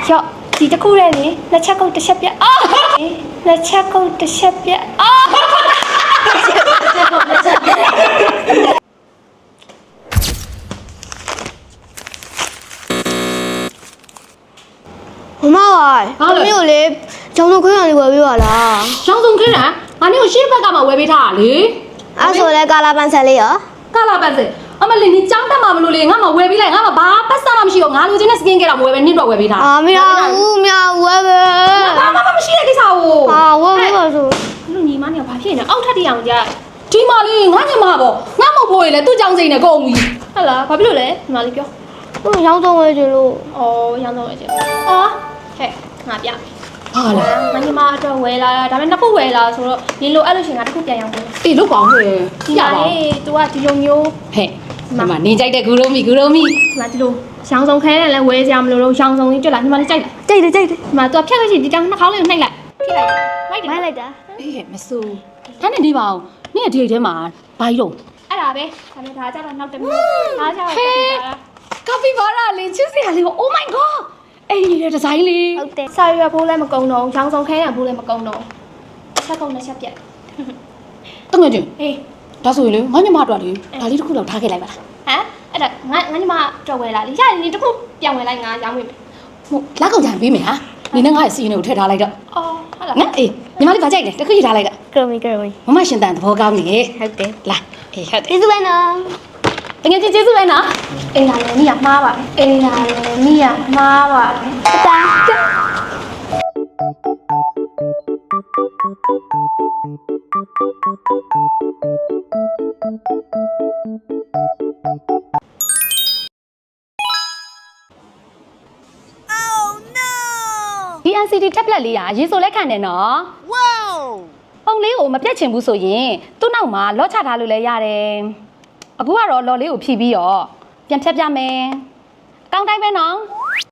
ရော့ဒီတစ်ခုတည်းလေလက်ချက်ကုတ်တစ်ချက်ပြက်လက်ချက်ကုတ်တစ်ချက်ပြက်မမပါမျိုးလေကျောင်းဆုံးခွင့်ရလေးဝယ်ပေးပါလားရောင်းစုံခင်းတာငါနေကိုရှေ့ဘက်ကမှဝယ်ပေးထားတာလေအဲ့ဆိုလဲကာလာပန်ဆယ်လေးရောကာလာပတ်စအမလေးနေចောင်းတက်မှာမလို့လေငါမှဝယ်ပေးလိုက်ငါမှဘာပတ်စမှမရှိတော့ငါလိုချင်တဲ့စကင်ကဲတော့မဝယ်ပဲနင့်တော့ဝယ်ပေးထားမရဘူးမရဘူးဝယ်ပဲဘာမှမရှိတဲ့ကိစ္စကိုဝယ်ပေးပါဆိုလူညီမเนี่ยဘာဖြစ်နေအောက်ထပ်တရအောင်ကြာဒီမလေးငါညီမပေါ့ငါမဖို့ရလေသူ့ចောင်းစိန်နဲ့ကုန်ပြီဟုတ်လားဘာဖြစ်လို့လဲညီမလေးပြောသူရောင်းဆုံးဝယ်ချင်လို့ရောင်းတော့လေအော်ဟဲ့ငါပြဟာလားငါညီမအတွက်ဝယ်လာဒါပေမဲ့နှစ်ခုဝယ်လာဆိုတော့ဒီလိုအဲ့လိုရှင်ကတစ်ခုပြန်ရောင်းတယ်အေးလုတ်ပါဦးဟဲ့ဒီရမှာပါလေ तू ကဒီလိုမျိုးဟဲ့ဒီမှာနေကြိုက်တဲ့ဂူလုံးမီဂူလုံးမီဒီမှာဒီလိုရောင်းစုံခဲနဲ့လည်းဝယ်ကြမလို့တော့ရောင်းစုံကြီးတွေ့လာညီမလေးကြိုက်လားကြိတ်တယ်ကြိတ်တယ်ဒီမှာ तू ဖြတ်ခဲ့ချင်ဒီတောင်နှာခေါင်းလေးကိုနှိပ်လိုက်ထိလိုက်လိုက်တယ်မိုက်လိုက်တာအေးဟဲ့မစိုးဒါနဲ့နေပါအောင်နင့်ဒီအိတ်ထဲမှာဘာကြီးတော့အဲ့ဒါပဲဒါပေမဲ့ဒါကြတော့နောက်တစ်မျိုးဒါကြတော့ကာပီဘာရာလေးချစ်စရာလေးကို Oh my god အဲ့ဒီလေဒီဇိုင်းလေးဟုတ်တယ်စာရွက်ဖိုးလည်းမကုံတော့ရောင်းစုံခဲနဲ့ဖိုးလည်းမကုံတော့ချက်ကုံနဲ့ချက်ပြက်တငယ်ချင်းဟေးဒါဆိုရင်လေငါညီမတို့ကလေဒါလေးတစ်ခုတော့ထားခဲ့လိုက်ပါလားဟမ်အဲ့ဒါငါညီမတော့ဝယ်လာလေရတယ်ဒီတစ်ခုပြန်ဝယ်လိုက်ငါရောင်းဝင်မယ်ဟုတ်လက်ကောင်ကြံပေးမယ်ဟာနေနဲ့ငါ့ရဲ့စီးရင်ကိုထည့်ထားလိုက်တော့အော်ဟုတ်လားငါအေးညီမလေးဗာကြိုက်တယ်တစ်ခုရထားလိုက်တော့ကရမီကရမီမမရှင်တန်သဘောကောင်းနေဟုတ်တယ်လာအေးဟုတ်တယ်ကျေးဇူးပဲနော်တကယ်ကျေးဇူးပဲနော်အိမ်လာလည်းမိရမှားပါပဲအိမ်လာလည်းမိရမှားပါပဲတာဒီ NCD tablet လေးอ่ะရေဆိုလဲခံတယ်နော် wow ပုံလေးကိုမပြတ်ချင်ဘူးဆိုရင်သူ့နောက်မှာလော့ချထားလို့လည်းရတယ်အခုကတော့လော်လေးကိုဖြီးပြီးတော့ပြန်ဖြတ်ပြမယ်အကောင်းတိုင်းပဲနော်